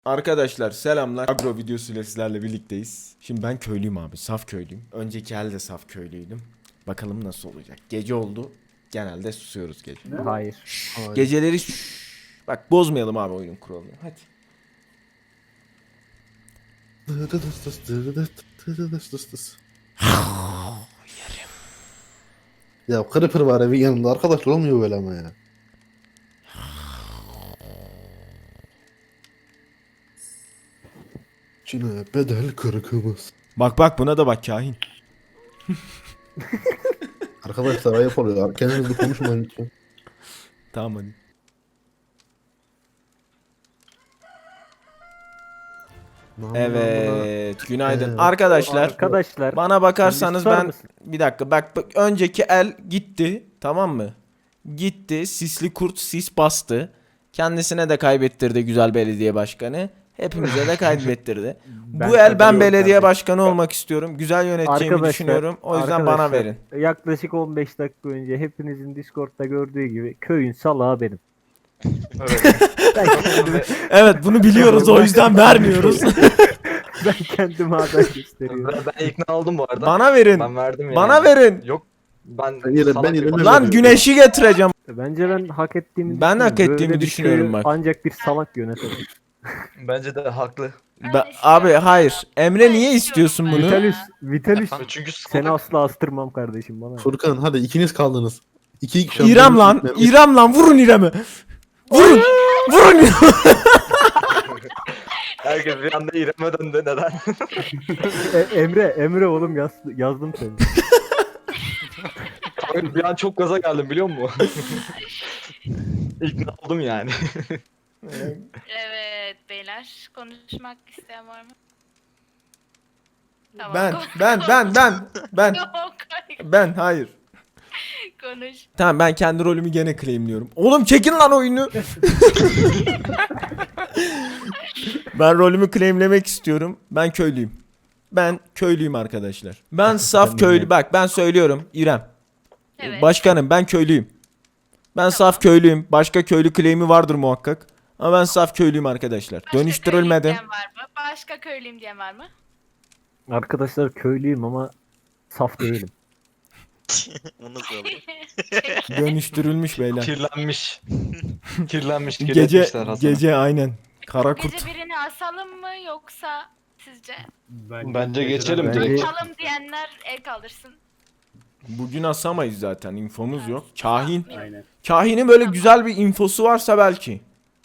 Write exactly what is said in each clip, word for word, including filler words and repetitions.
Arkadaşlar selamlar. Agro videosuyla sizlerle birlikteyiz. Şimdi ben köylüyüm abi. Saf köylüyüm. Önceki elde saf köylüydüm. Bakalım nasıl olacak. Gece oldu. Genelde susuyoruz gece. Hayır. Şşş, geceleri şşş. Bak bozmayalım abi oyunun kuralını. Hadi. Ya Creeper var evin yanında arkadaş olmuyor böyle ama ya. Çin'e bedel kırkımız. Bak bak buna da bak kahin. Arkadaşlar ayıp oluyor. Kendinizle konuşmayın lütfen. Tamam hadi. Evet, günaydın. Evet. Arkadaşlar, Arkadaşlar. bana bakarsanız sen bir susar ben mısın? bir dakika bak, bak önceki el gitti, tamam mı? Gitti, sisli kurt sis bastı. Kendisine de kaybettirdi güzel belediye başkanı. Hepimize de kaybettirdi. Ben Bu el ben katılıyorum belediye kardeşim. başkanı olmak istiyorum. Güzel yöneteceğimi Arkadaşlar, düşünüyorum. O yüzden bana arkadaşlar, verin. Yaklaşık on beş dakika önce hepinizin Discord'da gördüğü gibi köyün salağı benim. Ben kendimi, Evet, bunu biliyoruz, o yüzden vermiyoruz. ben kendimi aday gösteriyorum. Ben, ben ikna oldum bu arada. Bana verin. Ben verdim yani. Bana verin. Yok. Ben, Ben yine- salak ben yine bir- ne Lan veriyorum? güneşi getireceğim. Bence ben hak ettiğimi Ben hak düşünüyorum. ettiğimi Böyle bir düşünüyorum köyü bak. Ancak bir salak yönetebilir. Bence de haklı. Ben- abi hayır. Emre niye istiyorsun bunu? Vitalis, Vitalis Çünkü seni salak. asla astırmam kardeşim bana. Furkan hadi ikiniz kaldınız. İki iki İrem lan. İrem lan. Vurun İrem'i. Vurun. Vurun. Herkes bir anda İrem'e döndü. Neden? E- Emre, Emre oğlum yaz, yazdım seni. bir an çok gaza geldim biliyor musun? İkna oldum yani. Evet beyler konuşmak isteyen var mı? Tamam, Ben, konuş. ben, ben, ben, ben, Yok hayır, ben, hayır. konuş. Tamam, ben kendi rolümü gene claimliyorum. Oğlum çekin lan oyunu. Ben rolümü claimlemek istiyorum. Ben köylüyüm. Ben köylüyüm arkadaşlar. Ben saf köylü. Bak ben söylüyorum İrem. Evet. Başkanım ben köylüyüm. Ben saf köylüyüm. Başka köylü claim'i vardır muhakkak. Ama ben saf köylüyüm arkadaşlar. Başka Dönüştürülmedim. köylüyüm diyen var mı? Başka köylüyüm diyen var mı? Arkadaşlar köylüyüm ama saf değilim. O nasıl olur? Dönüştürülmüş beyler. Kirlenmiş. Kirlenmiş. Gece Kirletmişler Hasan'ı. gece aynen. Kara kurt. Gece birini asalım mı yoksa sizce? Bence geçelim Bence- direkt. Asalım diyenler el kaldırsın. Bugün asamayız zaten. İnfomuz yok. Kahin. Aynen. Kahinin böyle güzel bir infosu varsa belki.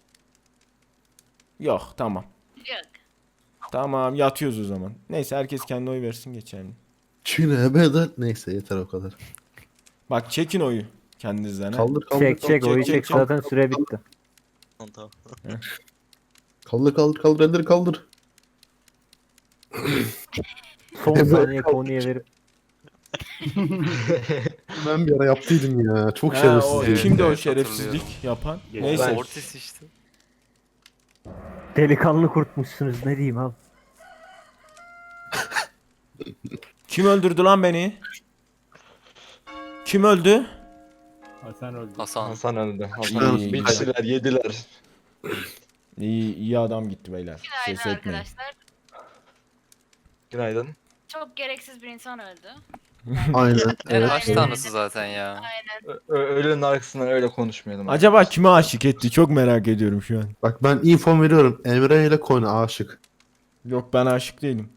Yok, tamam. Yok. Tamam, yatıyoruz o zaman. Neyse, herkes kendi oy versin geçelim. Çin'e bedel. Neyse yeter o kadar. Bak çekin oyu kendinizden. ha. Kaldır kaldır Çek çek kaldır, oyu çek, çek çek. zaten süre bitti. Tamam, tamam. kaldır kaldır kaldır elleri kaldır. Son Evet, saniye kaldı. konuya verip Ben bir ara yaptıydım ya. Çok Ha, o, şerefsiz. kimdi o Evet, şerefsizlik hatırlıyorum. yapan? Ben- Neyse. Mortis işte. delikanlı kurtmuşsunuz ne diyeyim abi. Kim öldürdü lan beni? Kim öldü? Hasan öldü. Hasan. Hasan önünde. İyi. Hasan biçtiler, yediler. İyi, iyi adam gitti beyler. Günaydın Ses etmeyin. arkadaşlar. Günaydın. Çok gereksiz bir insan öldü. Aynen. Yani Evet. aşk tanrısı zaten ya. Aynen. Ö- ö- Ölünün arkasından öyle konuşmayalım. Acaba kime aşık etti? Çok merak ediyorum şu an. Bak ben info veriyorum. Emre ile Kona aşık. Yok, ben aşık değilim.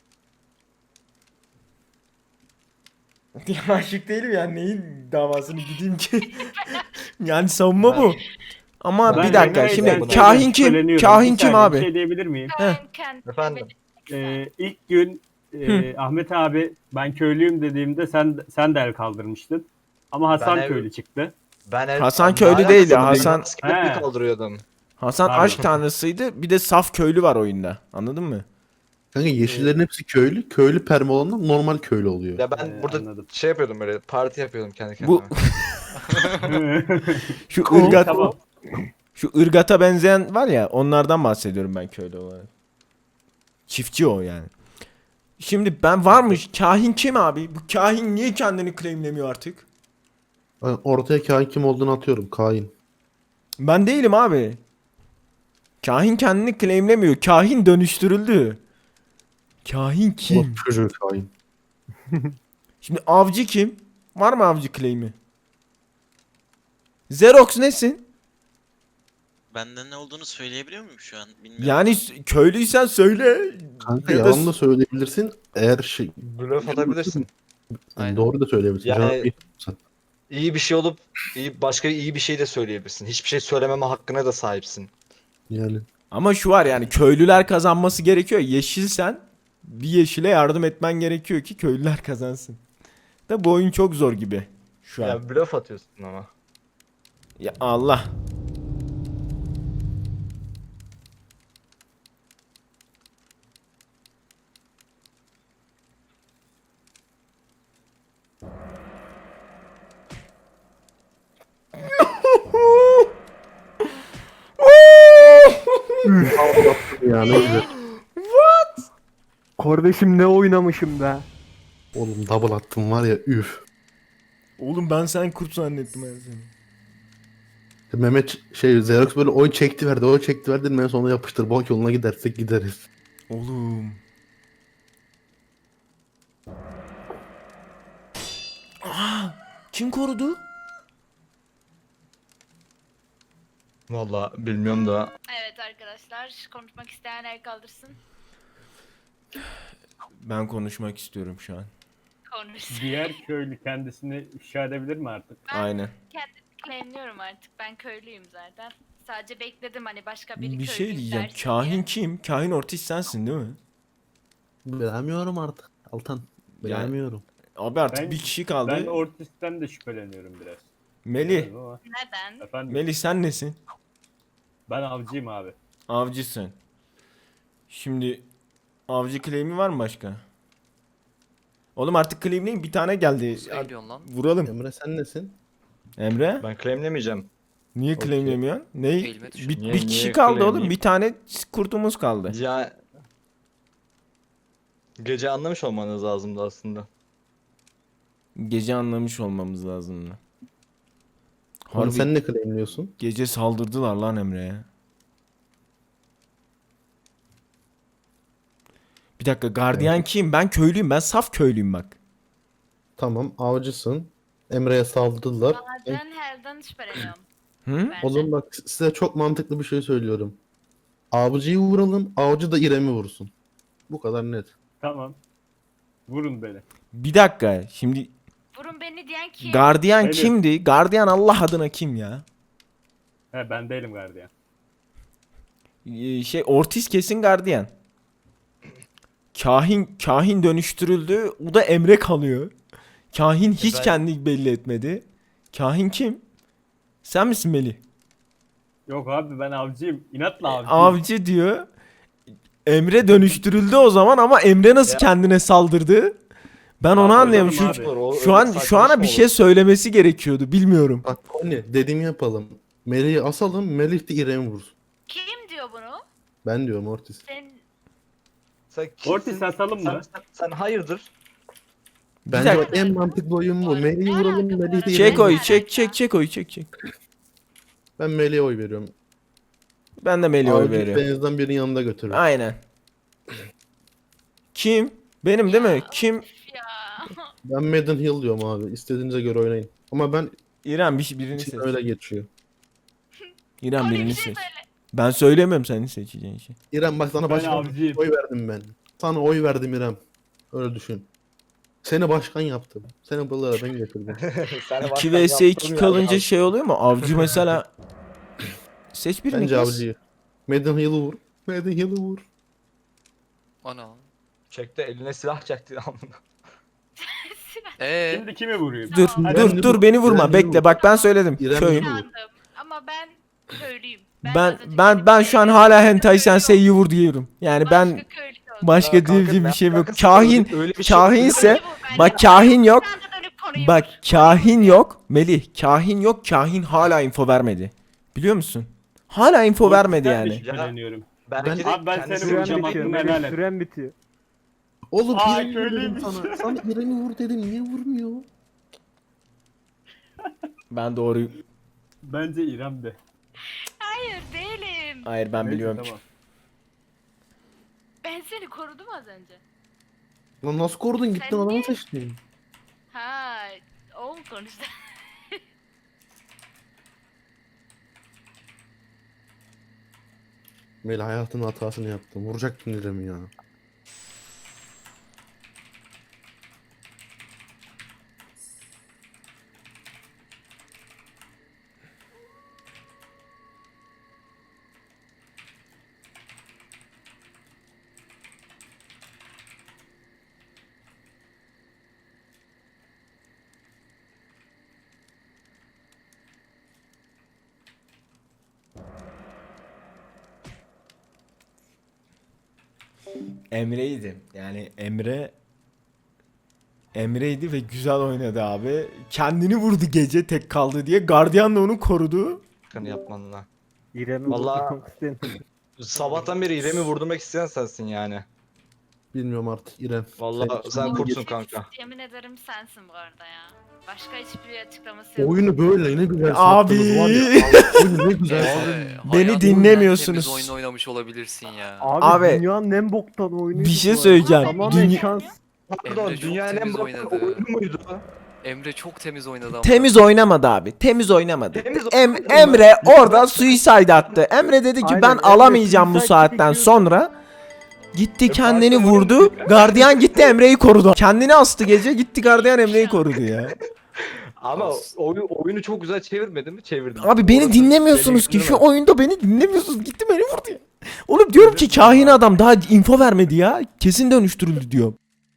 Aşık değilim yani, neyin davasını gideyim ki? Yani savunma bu. Ama Ben bir dakika Emre'yle şimdi sen kahin kim? şüpheleniyorum. Kahin Bir kim saniye, abi? Bir şey diyebilir miyim? Ben kendim. Efendim? Ee, ilk gün e, Ahmet abi ben köylüyüm dediğimde sen sen de el kaldırmıştın. Ama Hasan Ben ev- köylü çıktı. Ben el- Hasan Ne köylü alakası değildi, var? Hasan- Ben askerlik He. kaldırıyordum. Hasan Pardon. aşk tanrısıydı. Bir de saf köylü var oyunda. Anladın mı? Kanka yeşillerin hepsi köylü. Köylü perma olanlar normal köylü oluyor. Ya ben Ee, burada anladım. şey yapıyordum böyle parti yapıyordum kendi kendime. Bu şu ırgat Tamam. şu ırgata benzeyen var ya, onlardan bahsediyorum ben köylü olarak. Çiftçi o yani. Şimdi ben varmış. Kahin kim abi? Bu kahin niye kendini claimlemiyor artık? Ben ortaya kain kim olduğunu atıyorum. Kain. Ben değilim abi. Kahin kendini claimlemiyor. Kahin dönüştürüldü. Kahin O kim? çocuğu kain. Şimdi avcı kim? Var mı avcı claim'i? Xerox nesin? Benden ne olduğunu söyleyebiliyor muyum şu an? Bilmiyorum. Yani s- köylüysen söyle. Kanka Ya da yalan da söyleyebilirsin. Eğer şey Blöf atabilirsin. yani Aynen. doğru da söyleyebilirsin. Yani- Cevap veriyorsan. İyi bir şey olup iyi, başka iyi bir şey de söyleyebilirsin. Hiçbir şey söylememe hakkına da sahipsin. Yani Ama şu var yani köylüler kazanması gerekiyor. Yeşilsen bir yeşile yardım etmen gerekiyor ki köylüler kazansın. Da bu oyun çok zor gibi şu an. Ya, Ya blöf atıyorsun ama. Allah. ya ne güzel. Kardeşim ne oynamışım be. Oğlum double attım var ya üf. Oğlum ben sen kurt zannettim her seni. Mehmet şey Xerox böyle oy çekti verdi oy çekti verdi ben sonra yapıştır bak yoluna gidersek gideriz. Oğlum. Aa, kim korudu? Valla bilmiyorum da. Evet arkadaşlar, konuşmak isteyen el kaldırsın. Ben konuşmak istiyorum şu an. Konuşsun. Diğer köylü kendisini ifşa edebilir mi artık? Ben Aynen. kendimi claimliyorum artık. Ben köylüyüm zaten. Sadece bekledim hani başka biri Bir şey köylüyüm diyeceğim. derse Kahin diye. kim? Kahin Ortiz sensin değil mi? Bilemiyorum artık Altan. Bilemiyorum. Abi artık Ben- bir kişi kaldı. Ben Ortis'ten de şüpheleniyorum biraz. Melih. Bilmiyorum ama- Neden? Efendim Melih sen nesin? ben avcıyım abi. Avcısın. Şimdi avcı claim'i var mı başka? Oğlum artık claim'leyin bir tane geldi. Söylüyorsun lan. Vuralım. Emre sen nesin? Emre? Ben claimlemeyeceğim. Niye Okey. claimlemiyorsun? Ne? Elime düşün. Bir, Niye- bir kişi niye kaldı oğlum. claimleyeyim? Bir tane kurtumuz kaldı. Ya gece anlamış olmanız lazımdı aslında. Gece anlamış olmamız lazım. Oğlum Harbi sen ne claimliyorsun? gece saldırdılar lan Emre'ye. Bir dakika gardiyan kim? Ben köylüyüm. Ben saf köylüyüm bak. Tamam avcısın. Emre'ye saldırdılar. Bazen herden şüpheleniyorum. Hı? bence. O zaman bak size çok mantıklı bir şey söylüyorum. Avcıyı vuralım, avcı da İrem'i vursun. Bu kadar net. Tamam. Vurun beni. Bir dakika. Şimdi Vurun beni diyen kim? gardiyan Benim. kimdi? Gardiyan Allah adına kim ya? He ben değilim gardiyan. Ee, Şey Ortiz kesin gardiyan. Kahin kahin dönüştürüldü. O da Emre kalıyor. Kahin hiç ben- kendini belli etmedi. Kahin kim? Sen misin Melih? Yok abi ben avcıyım. İnatla avcıyım. Avcı diyor. Emre dönüştürüldü o zaman ama Emre nasıl Ya- kendine saldırdı? Ben onu Ya anlayamıyorum. Şu, hocam abi. O- şu öyle an saçma şu ana iş bir mi şey olur? söylemesi gerekiyordu. Bilmiyorum. Bak ne dediğimi yapalım. Melih'i asalım, Melih de İrem'i vursun. Kim diyor bunu? Ben diyorum Ortiz. Sen Sen kimsin? Ortiz asalım Sen, mı? sen, sen hayırdır? Bence dakika. bak en mantıklı oyun bu. Melih'i Ne vuralım, alaka bu Melih de arada? Çek İrem'i oyu, vursun. çek çek çek oyu, çek çek. Ben Melih'e oy veriyorum. Ben de Melih'e oy Avcı veriyorum. denizden birinin yanında götürür. Aynen. Kim? Benim değil mi? Kim? ya. Ben Madden Hill diyorum abi. İstediğinize göre oynayın. Ama ben İrem bir birini için seç. öyle geçiyor. İrem Öyle bir birini şey seç. söyle. Ben söylemiyorum senin seçeceğin şey. İrem bak sana Ben başkan avcıyım. oy verdim ben. Sana oy verdim İrem. Öyle düşün. Seni başkan yaptım. Seni buralara ben getirdim. Sen iki vs iki kalınca şey oluyor mu? Avcı mesela seç birini Bence kız. avcıyı. Madden Hill'ı vur. Madden Hill'ı vur. O ne lan? Çekti eline silah çekti amına. Eee? Şimdi kimi vurayım? Dur Tamam. dur İrem dur vur. beni vurma İrem bekle vur. bak ben söyledim. İrem Köyüm. vur. İnandım. Ama ben köylüyüm. Ben az önce ben dedim ben ki, şu an hala hentai sensei'yi vur diyorum. Yani başka ben köylü olsun. başka Ya kanka, diyeceğim bir ben şey yok. alakası Kahin öyle bir şey kahinse Köylü vur bence. bak kahin yok. Sen de dönüp konuyu Bak vur. kahin yok. Melih kahin yok. Kahin hala info vermedi. Biliyor musun? Hala info vermedi Ortis'ten de yani. şüpheleniyorum. Belki de Abi ben kendisi seni Süren vuracağım, bitiyor. hakkını Melih, helal et. süren bitiyor. Oğlum Aa, İrem'i vur dedim köylüymüş. sana. Sana İrem'i vur dedim. Niye vurmuyor? Ben doğru. Bence İrem de. Hayır değilim. Hayır ben Neyse, biliyorum. tamam. Ben seni korudum az önce. Lan nasıl korudun gittin Sen adamı niye- seçtin. Ha, o mu konuştu? Melih hayatının hatasını yaptım. Vuracaktın İrem'i ya. Emre'ydi. Yani Emre Emre'ydi ve güzel oynadı abi. Kendini vurdu gece tek kaldı diye. Gardiyan da onu korudu. Hakkını yapmanla. İrem'i Vallahi- vurdurmak istedim. Sabahtan beri İrem'i vurdurmak isteyen sensin yani. Bilmiyorum artık İrem. Vallahi Sen- sen Ama kurtsun tek- kanka. Yemin ederim sensin bu arada ya. Başka hiçbir açıklaması yok. Oyunu böyle ne güzel Abi. sattınız var ya. Oyunu ne güzel Abi, sattınız. beni hayatımın dinlemiyorsunuz. en temiz oyun oynamış olabilirsin ya. Abi, Abi, dünyanın en boktan oyunu. Bir şey söyleyeceğim. Tamamen Dünya- şans. Pardon Emre çok dünyanın en temiz boktan oynadı. oyunu muydu? Emre çok temiz oynadı ama. Temiz oynamadı abi. Temiz oynamadı. Temiz Em oynamadı mı? Emre orada suicide attı. Emre dedi ki Aynen, ben Emre alamayacağım bu suicide saatten çekiyor. sonra. Gitti E, kendini farklı vurdu. oyun- Gardiyan gitti Emre'yi korudu. Kendini astı gece gitti gardiyan Emre'yi korudu ya. Ama As- oyun, oyunu çok güzel çevirmedi mi? Çevirdim. Abi beni Orası dinlemiyorsunuz beni ki şu güldürmez. oyunda beni dinlemiyorsunuz. Gitti beni vurdu ya. Oğlum diyorum ki kahin adam daha info vermedi ya. Kesin dönüştürüldü diyor.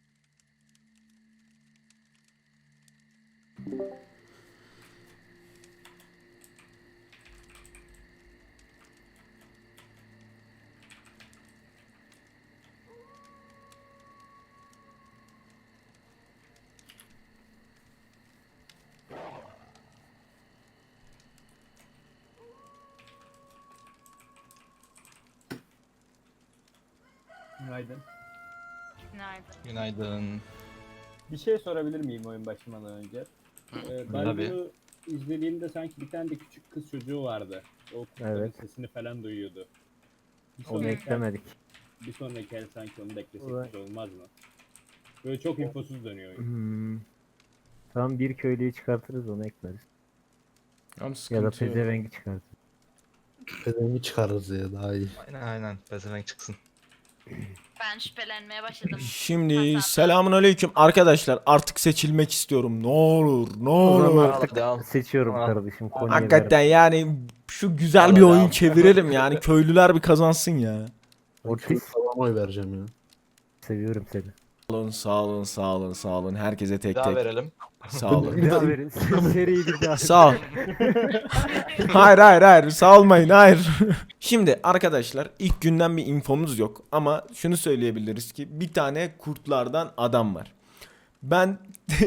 Günaydın. Günaydın. Günaydın. Bir şey sorabilir miyim oyun başlamadan önce? Ee, ben Tabii. bunu izlediğimde sanki bir tane de küçük kız çocuğu vardı. O kızların Evet. sesini falan duyuyordu. Bir Onu sonraki, eklemedik. bir sonraki el sanki onu da eklesek Ulan. güzel olmaz mı? Böyle çok infosuz dönüyor oyun. Hmm. Tamam bir köylüyü çıkartırız onu ekleriz. Ya da pezevengi çıkartırız. Pezevengi çıkarırız ya daha iyi. Aynen aynen. Pezevenk çıksın. Ben şüphelenmeye başladım. Şimdi Hasan. selamun aleyküm arkadaşlar artık seçilmek istiyorum ne olur ne O zaman olur. artık Devam. seçiyorum Tamam. kardeşim. Konya'yı Hakikaten yani şu güzel bir Vallahi oyun devam. çevirelim yani köylüler bir kazansın ya. Ortiz. Falan oy vereceğim ya. Seviyorum seni. Sağ olun sağ olun sağ olun sağ olun herkese tek Daha tek verelim. sağ olun. Bir daha verin. Seriyi bir daha. Sağ ol. Hayır hayır hayır sağ olmayın hayır. Şimdi arkadaşlar ilk günden bir infomuz yok ama şunu söyleyebiliriz ki bir tane kurtlardan adam var. Ben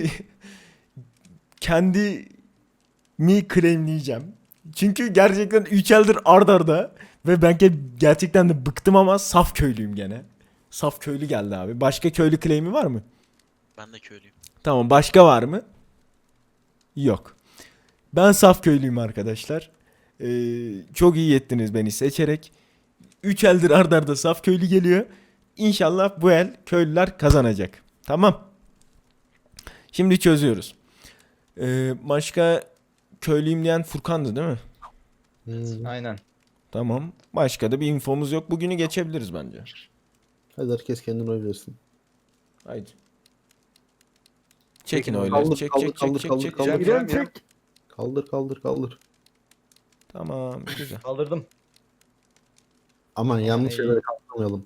kendimi claimleyeceğim. Çünkü gerçekten üç eldir ard arda ve ben ge- gerçekten de bıktım ama saf köylüyüm gene. Saf köylü geldi abi. Başka köylü claim'i var mı? Ben de köylüyüm. Tamam başka var mı? Yok. Ben saf köylüyüm arkadaşlar. Ee, çok iyi ettiniz beni seçerek. üç eldir ard arda saf köylü geliyor. İnşallah bu el köylüler kazanacak. Tamam. Şimdi çözüyoruz. Ee, başka köylüyüm diyen Furkan'dı değil mi? Hmm. Aynen. Tamam. Başka da bir infomuz yok. Bugünü geçebiliriz bence. Hadi herkes kendine oy versin. Haydi. Çekin Çekin, oyları. kaldır, Çek kaldır, çek çek kaldır, çek kaldır, çek. kaldır. çek. İrem çek. Kaldır kaldır kaldır. Tamam güzel. Kaldırdım. Aman yanlış iyi. şeylere kaldırmayalım.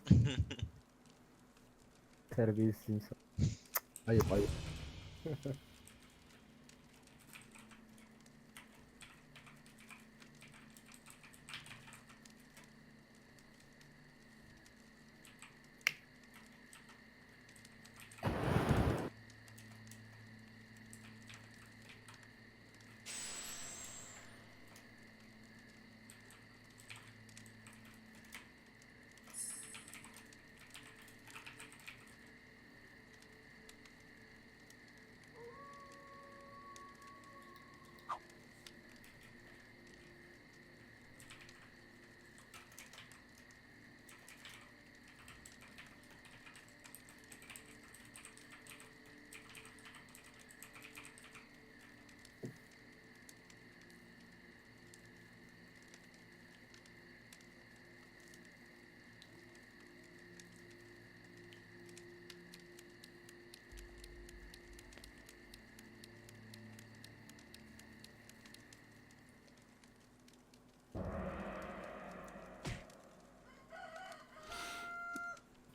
Terbiyesiz insan. Ayıp ayıp.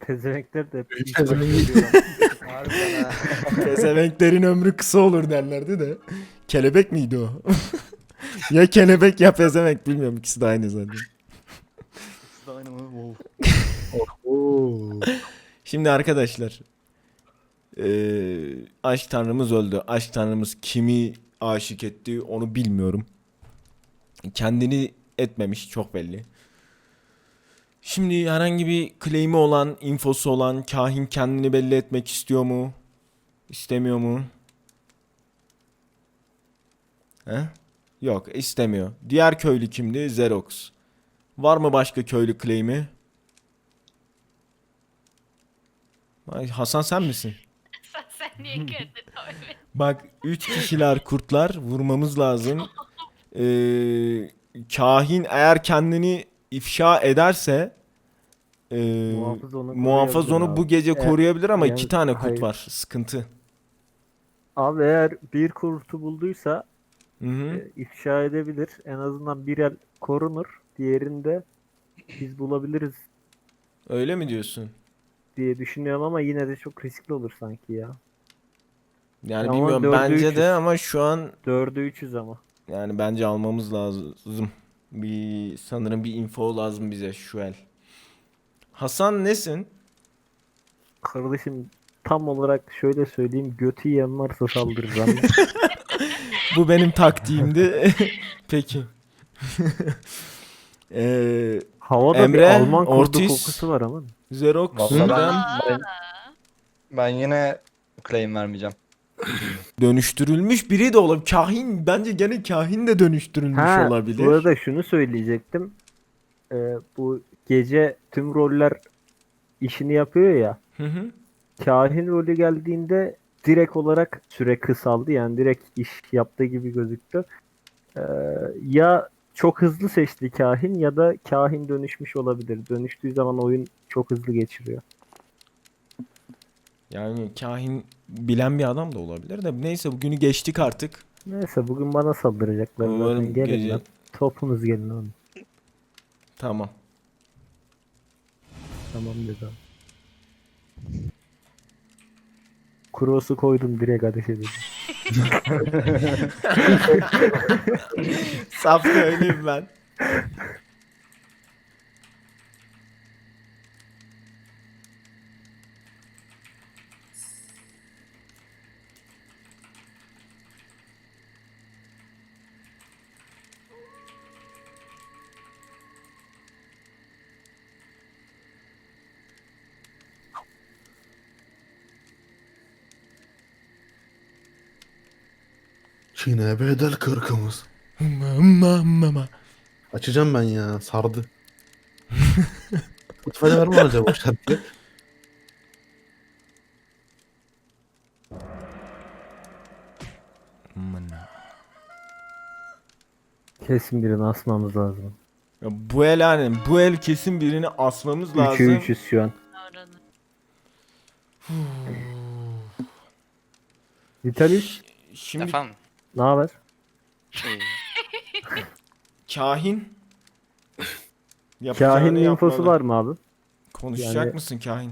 Tezemekler de hep ilk Pezevenk. başta geliyor. Harbiden ha. Pezevenklerin ömrü kısa olur derlerdi de. Kelebek miydi o? Ya kelebek ya pezevenk bilmiyorum, ikisi de aynı zaten. Oo. Şimdi arkadaşlar, eee, aşk tanrımız öldü. Aşk tanrımız kimi aşık etti onu bilmiyorum. Kendini etmemiş, çok belli. Şimdi herhangi bir claim'i olan, infosu olan kahin kendini belli etmek istiyor mu? İstemiyor mu? He? Yok, istemiyor. Diğer köylü kimdi? Xerox. Var mı başka köylü claim'i? Ay, Hasan sen misin? Sen, sen niye kendini öyle? Bak, üç kişiler kurtlar, vurmamız lazım. Ee, kahin eğer kendini ifşa ederse ee, Muhafız onu muhafız koruyabilir onu abi. bu gece Eğer- koruyabilir ama yani- iki tane kurt hayır. var. Sıkıntı. Abi eğer bir kurtu bulduysa Hı hı. e, ifşa edebilir. En azından bir el korunur. Diğerinde biz bulabiliriz Öyle mi diyorsun? diye düşünüyorum ama yine de çok riskli olur sanki ya. Yani Ama bilmiyorum, dördü bence üçüz. de ama şu an Dördü üçüz ama. yani bence almamız lazım. Bir sanırım bir info lazım bize şu el. Hasan nesin? Kardeşim tam olarak şöyle söyleyeyim. Götü yiyen varsa saldırır ama. Bu benim taktiğimdi. Peki. Ee, Havada Emre, bir Alman kurdu Ortiz. kokusu var ama. Xerox, Vallahi ben, İrem, ben, ben yine claim vermeyeceğim. dönüştürülmüş biri de olabilir. Kahin, bence gene kahin de dönüştürülmüş Ha, olabilir. bu arada şunu söyleyecektim. Ee, bu gece tüm roller işini yapıyor ya. Hı hı. Kahin rolü geldiğinde direkt olarak süre kısaldı. Yani direkt iş yaptığı gibi gözüktü. Ee, ya çok hızlı seçti kahin ya da kahin dönüşmüş olabilir. Dönüştüğü zaman oyun çok hızlı geçiriyor. Yani kahin bilen bir adam da olabilir de neyse, bugünü geçtik artık. Neyse bugün bana saldıracaklar Umarım zaten. Gelin gece- lan. Topunuz gelin oğlum. Tamam. Tamam dedi. Cross'u koydum direkt ateş edildi. Saf köylüyüm ben. Çin'e bedel kırkımız. Mama mama. Açacağım ben ya. Sardı. Spotify'da var mı acaba bu şarkı? Mına. Kesin birini asmamız lazım. Ya bu el yani, bu el kesin birini asmamız Üçü lazım. üçüz şu an. Oranı. Vitalis Şimdi Efendim? ne haber? İyi. kahin yapacağını Kahin'in infosu yapmalı. var mı abi? Konuşacak Yani- mısın kahin?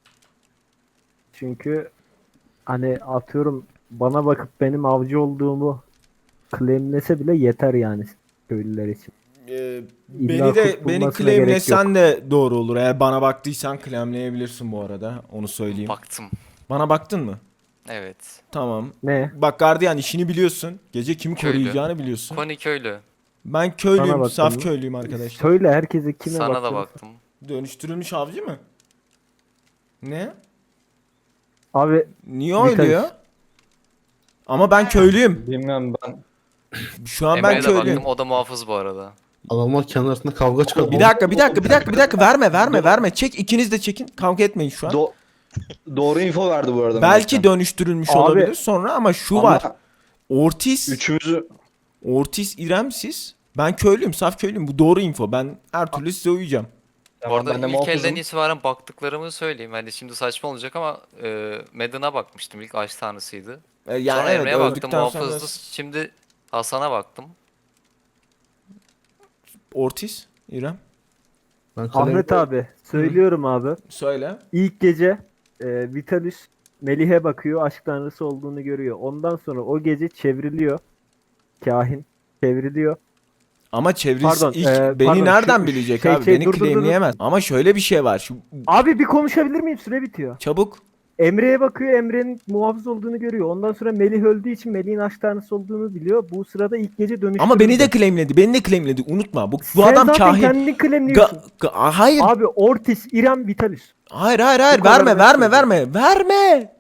Çünkü hani atıyorum bana bakıp benim avcı olduğumu claimlese bile yeter yani köylüler için. Ee, İlla beni de kurt beni bulmasına claimlesen de doğru olur. Eğer bana baktıysan claimleyebilirsin bu arada. Onu söyleyeyim. Baktım. Bana baktın mı? Evet. Tamam. Ne? Bak gardiyan, işini biliyorsun. Gece kimi Köylü. koruyacağını biliyorsun. Koni köylü. Ben köylüyüm, Sana baktın saf mı? köylüyüm arkadaşlar. Söyle herkese kime Sana da bakıyorsun? baktım. Dönüştürülmüş avcı mı? Ne? Abi Niye Vitalis. öyle ya? Ama ben köylüyüm. Bilmiyorum ben. Şu an ben Emre'ye de köylüyüm. baktım. O da muhafız bu arada. Adamlar kendi arasında kavga çıkardı. Bir dakika, bir dakika, bir dakika, bir dakika. Verme, verme, verme. Çek, ikiniz de çekin. Kavga etmeyin şu an. Do doğru info verdi bu arada. Belki Melihcan. dönüştürülmüş Abi- olabilir sonra ama şu Ama var. Ortiz, Üçümüzü Ortiz, İrem siz. Ben köylüyüm, saf köylüyüm. Bu doğru info. Ben her türlü size uyacağım. Bu Tamam, arada ben de ilk muhafızım. elden itibaren baktıklarımı söyleyeyim. Hani şimdi saçma olacak ama e, Madden'a bakmıştım. İlk aşk tanrısıydı. Ee, yani Sonra evet, Emre'ye baktım. öldükten sonra Muhafızdı. Şimdi Hasan'a baktım. Ortiz, İrem. Ben kalem- Ahmet abi söylüyorum abi. Söyle. İlk gece e, Vitalis Melih'e bakıyor, aşk tanrısı olduğunu görüyor. Ondan sonra o gece çevriliyor. Kahin çevriliyor. Ama çevresi Pardon, ilk e, beni pardon, nereden şu- bilecek şey, abi? şey, Beni dur, dur, dur, dur. claimleyemez. Ama şöyle bir şey var. Şu Abi bir konuşabilir miyim? Süre bitiyor. çabuk. Emre'ye bakıyor, Emre'nin muhafız olduğunu görüyor. Ondan sonra Melih öldüğü için Melih'in aşk tanrısı olduğunu biliyor. Bu sırada ilk gece dönüştürüldü. Ama beni de claimledi. Beni de claimledi. Unutma. Bu bu Sen adam zaten kahin. kendini Ga- claimliyorsun. ga- hayır. Abi Ortiz, İrem, Vitalis. Hayır hayır hayır. Bu kadar Verme net verme söylüyorum. verme. Verme.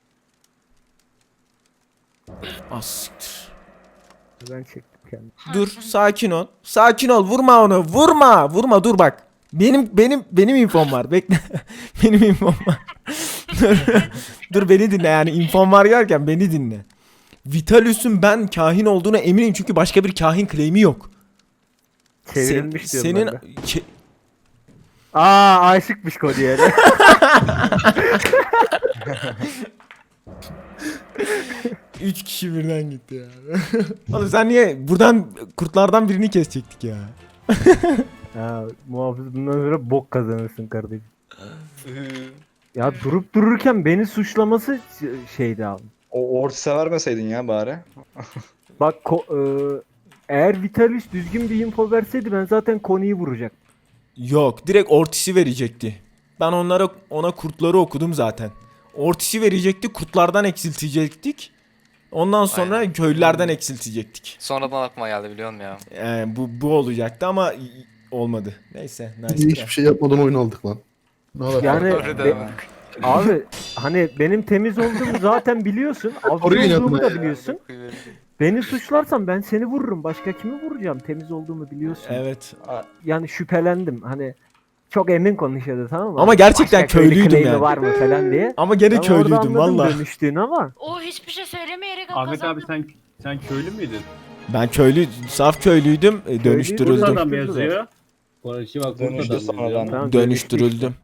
Ah siktir. Ben çektim kendimi. Dur sakin ol. Sakin ol. Vurma onu. Vurma. Vurma dur bak. Benim benim benim infom var. Bekle. Benim infom var. dur. Dur beni dinle yani infom var derken beni dinle. Vitalus'un ben kahin olduğuna eminim çünkü başka bir kahin claim'i yok. Çevrilmiş Sen- diyorum senin ben de. Ke- Aa aşıkmış Cody'ye de. Üç kişi birden gitti ya. Oğlum sen niye buradan kurtlardan birini kesecektik ya. Ha, muhafız bundan sonra bok kazanırsın kardeşim. Ya durup dururken beni suçlaması ş- şeydi abi. O Ortis'e vermeseydin ya bari. Bak ko- e, eğer Vitalis düzgün bir info verseydi ben zaten Kony'yi vuracaktım. Yok direkt Ortis'i verecekti. Ben onlara ona kurtları okudum zaten. Ortis'i verecekti kurtlardan eksiltecektik. Ondan sonra Aynen. köylülerden eksiltecektik. Sonradan aklıma geldi biliyor musun ya? Yani bu bu olacaktı ama i- olmadı. Neyse nice try. Hiçbir şey yapmadan oyun aldık lan. Ne alaka? Yani Öyle be- deme. abi hani benim temiz olduğumu zaten biliyorsun. Orayı Avcı olduğumu yapma da biliyorsun. Beni suçlarsan ben seni vururum. Başka kimi vuracağım? Temiz olduğumu biliyorsun. Evet. Yani şüphelendim. Hani çok emin konuşuyordu tamam mı? Ama gerçekten Başka köylü köylüydüm claim'i yani. var mı falan diye. Ama gene Ben orada köylüydüm anladım valla. dönüştüğünü ama. O hiçbir şey söylemeyerek Ahmet kazandı. abi sen sen köylü müydün? Ben köylü, saf köylüydüm, e, Köylüydüm. dönüştürüldüm. Bursa'dan mı yazıyor? Bu işi bak Dönüştü Bursa'dan mı sonradan. yazıyor? Tamam, Dönüştürüldüm.